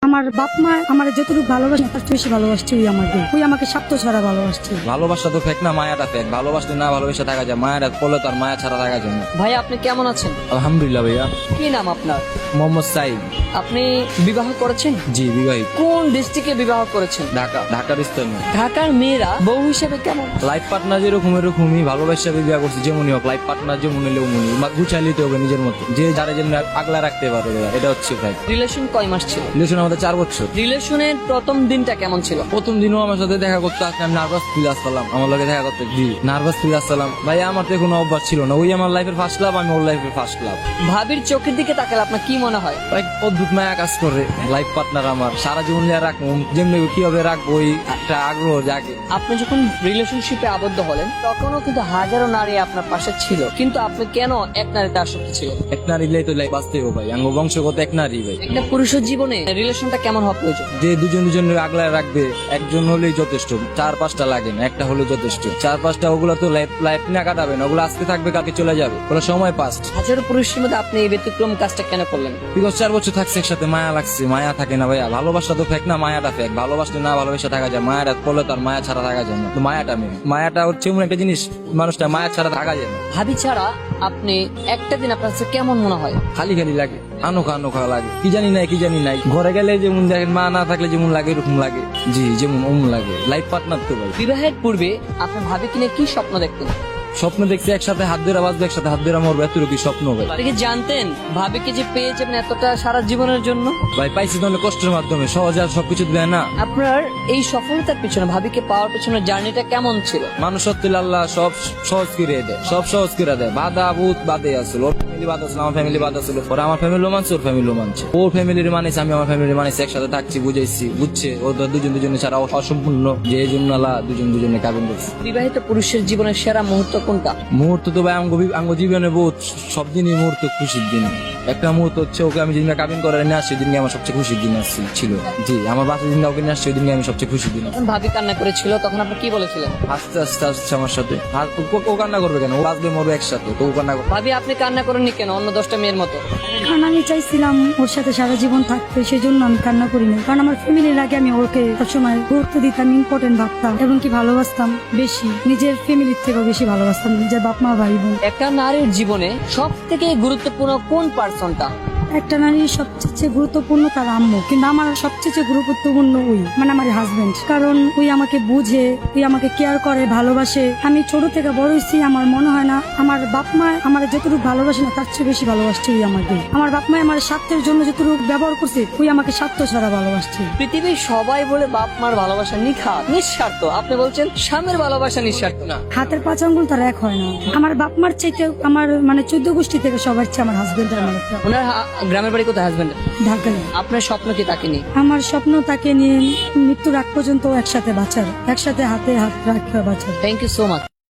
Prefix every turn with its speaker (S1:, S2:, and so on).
S1: আমার বাপ মা আমার যতটুকু ভালোবাসে তার চেয়ে বেশি ভালোবাসছে ওই আমাকে স্বার্থ ছাড়া ভালোবাসছে।
S2: ভালোবাসা তো ফেক না, মায়াটা ফেক। ভালোবাসলে না ভালোবাসা থাকা যায়, মায়াটা পড়লে তার মায়া ছাড়া থাকা যায় না।
S3: ভাই আপনি কেমন আছেন?
S2: আলহামদুলিল্লাহ ভাইয়া।
S3: কি নাম আপনার?
S2: মোহাম্মদ সাইদ।
S3: আপনি বিবাহ করেছেন?
S2: জি বিবাহিত।
S3: কোন ডিস্ট্রিক্টে বিবাহ করেছেন?
S2: ঢাকার স্থানে।
S3: ঢাকার মেয়েরা বউ হিসেবে কেমন?
S2: লাইফ পার্টনার যেরকম এরকমই ভালোবাসা বিবাহ করছি, যেমনই হোক লাইফ পার্টনার যেমন হলে অমনি গুছাই নিতে হবে নিজের মতো, যে যারা যেমন আগলা রাখতে পারে, এটা হচ্ছে ভাই।
S3: রিলেশন কয় মাস ছিল?
S2: রিলেশন আমাদের 4 বছর।
S3: রিলেশনের প্রথম দিনটা কেমন ছিল?
S2: প্রথম দিনও আমার সাথে দেখা করতে আসলে আমি নার্ভাস ফিল আসলাম, আমার লগে দেখা করতে নার্ভাস ফিল আসলাম। ভাই আমার তো কোনো অভ্যাস ছিল না, ওই আমার লাইফের ফার্স্ট লাভ, আমি ওর লাইফের ফার্স্ট লাভ।
S3: ভাবির চোখের দিকে তাকালে আপনার কি মনে হয়?
S2: এক অদ্ভুত মায়া কাজ করে। লাইফ পার্টনার আমার সারা জীবন নিয়ে রাখবো, যেমনি কিভাবে রাখবো ওই একটা আগ্রহ জাগে।
S3: আপনি যখন রিলেশনশিপে আবদ্ধ হলেন তখনও কিন্তু হাজারো নারী আপনার পাশে ছিল, কিন্তু আপনি কেন এক নারীতে আসক্ত ছিলেন?
S2: এক নারী তো লাইফ বাঁচতে হবে ভাই, আঙ্গ বংশগত এক নারী ভাই।
S3: একটা পুরুষের জীবনে রিলেশনটা কেমন হওয়া প্রয়োজন?
S2: যে দুজন আগলায় রাখবে, একজন হলেই যথেষ্ট, 4-5টা লাগে না, একটা হলে যথেষ্ট। 4-5টা ওগুলো তো লাইফ না কাটাবে না, ওগুলো আজকে থাকবে কালকে চলে যাবে, ওগুলো সময় পাস।
S3: হাজারো পুরুষের মধ্যে আপনি এই ব্যতিক্রম কাজটা কেন করলেন?
S2: বিগত 4 বছর থাকছে একসাথে, মায়া লাগছে। মায়া থাকে না ভাইয়া, ভালোবাসা তো ফেক না, মায়াটা ফেক। ভালোবাসলে না ভালোবাসা থাকা যায়, মায়াটা পড়লে তার মায়া ছাড়া থাকা যায় না। তো মায়াটা হচ্ছে এমন একটা জিনিস, মানুষটা মায়া ছাড়া থাকা যায় না।
S3: ভাবি ছাড়া আপনি একটা দিন আপনার কাছে কেমন মনে হয়?
S2: খালি লাগে, আনোখা লাগে, কি জানি নাই। ঘরে গেলে যেমন দেখেন, মা না থাকলে যেমন লাগে এরকম লাগে। জি যেমন অমন লাগে। লাইফ পার্টনার তো ভাই।
S3: বিবাহের পূর্বে আপনার ভাবিকে নিয়ে কি স্বপ্ন দেখতেন?
S2: স্বপ্ন দেখছি একসাথে হাত ধরে বাঁচবে, একসাথে হাত ধরে মরবে, এতটুকু স্বপ্ন ভাই।
S3: আপনি কি জানতেন ভাবিকে যে পেয়ে যাবেন এতটা সারা জীবনের জন্য?
S2: ভাই পাইছি তো অনেক কষ্টের মাধ্যমে, সহজে আর সবকিছু দেয় না।
S3: আপনার এই সফলতার পিছনে, ভাবিকে পাওয়ার পিছনে জার্নিটা কেমন ছিল?
S2: মানুষ সত্যি আল্লাহ সব সহজ করে দেয়, সব সহজ করে দেয়। বাধা বহুত বাদে আসলো, ওর ফ্যামিলি বাধা ছিল, আমার ফ্যামিলি বাধা ছিল। ওরা আমার ফ্যামিলিও মানছে, ওর ফ্যামিলিও মানছে। ওর ফ্যামিলির মানেছে, আমি আমার ফ্যামিলির মানেছি, একসাথে থাকছি, বুঝাইছি, বুঝছে। ওদের দুজনে ছাড়া অসম্পূর্ণ, যে এই জন্য আল্লাহ দুজনে কাবিন করছে।
S3: বিবাহিত পুরুষের জীবনের সেরা মুহূর্ত কোনটা?
S2: মুহূর্ত তো ভাই আঙ্গ জীবনে বহুত, সব দিনই মুহূর্ত খুশির দিন। একটা মুহূর্ত হচ্ছে ওকে আমি যেদিন কাবিন করে নিয়ে আসছি, সেদিনকে আমার সবচেয়ে খুশির দিন ছিল। জি আমার বাচ্চা দিন ওকে নিয়ে আসছে, ওই দিনকে আমি সবচেয়ে খুশির দিন।
S3: যখন ভাবি কান্না করেছিল তখন আপনি কি বলেছিলেন?
S2: আস্তে আসছে আমার সাথে। আর ও কান্না করবে কেন? ও বাঁচবে মরবে একসাথে, তো ও কান্না করবে।
S3: ভাবি আপনি কান্না করেননি কেন অন্য 10টা মেয়ের মতো?
S1: কারণ আমি চাইছিলাম ওর সাথে সারা জীবন থাকতে, সেই জন্য আমি কান্না করিনি। কারণ আমার ফ্যামিলির আগে আমি ওকে সবসময় গুরুত্ব দিতাম, ইম্পর্টেন্ট ভাবতাম, এবং কি ভালোবাসতাম বেশি, নিজের ফ্যামিলির থেকেও বেশি ভালোবাসতাম, নিজের বাপ মা ভাই বোন।
S3: একটা নারীর জীবনে সব থেকে গুরুত্বপূর্ণ কোন পার্সনটা?
S1: একটা নারীর সবচেয়ে গুরুত্বপূর্ণ তার আম্মু, কিন্তু আমার সবচেয়ে গুরুত্বপূর্ণ আমার হাজবেন্ড। কারণ ওই আমাকে বুঝে, ওই আমাকে কেয়ার করে, ভালোবাসে। আমি ছোট থেকে বড় হয়েছি, আমার মনে হয় না আমার বাপ মা আমার যতটুকু ভালোবাসে না তার চেয়ে বেশি ভালোবাসছে ওই আমাকে। আমার বাপ মা আমার স্বার্থের জন্য যতটুকু ব্যবহার করছে, ওই আমাকে স্বার্থ ছাড়া ভালোবাসছে।
S3: পৃথিবীর সবাই বলে বাপ মার ভালোবাসা নিখাত, নিঃস্বার্থ। আপনি বলছেন স্বামীর ভালোবাসা নিঃস্বার্থ না?
S1: হাতের 5 আঙ্গুল তার এক হয় না। আমার বাপ মার চাইতে আমার 14 গোষ্ঠী থেকে সবার চেয়ে আমার হাজবেন্ড আমার একটা।
S3: ওনার গ্রামের বাড়ি কোথায়? হাজবেন্ড
S1: ঢাকা।
S3: আপনার স্বপ্ন কি তাকে নিয়ে?
S1: আমার স্বপ্ন তাকে নিয়ে মৃত্যুর আগ পর্যন্ত একসাথে বাঁচার, একসাথে হাতে হাত রাখা বাঁচার।
S3: Thank you so much.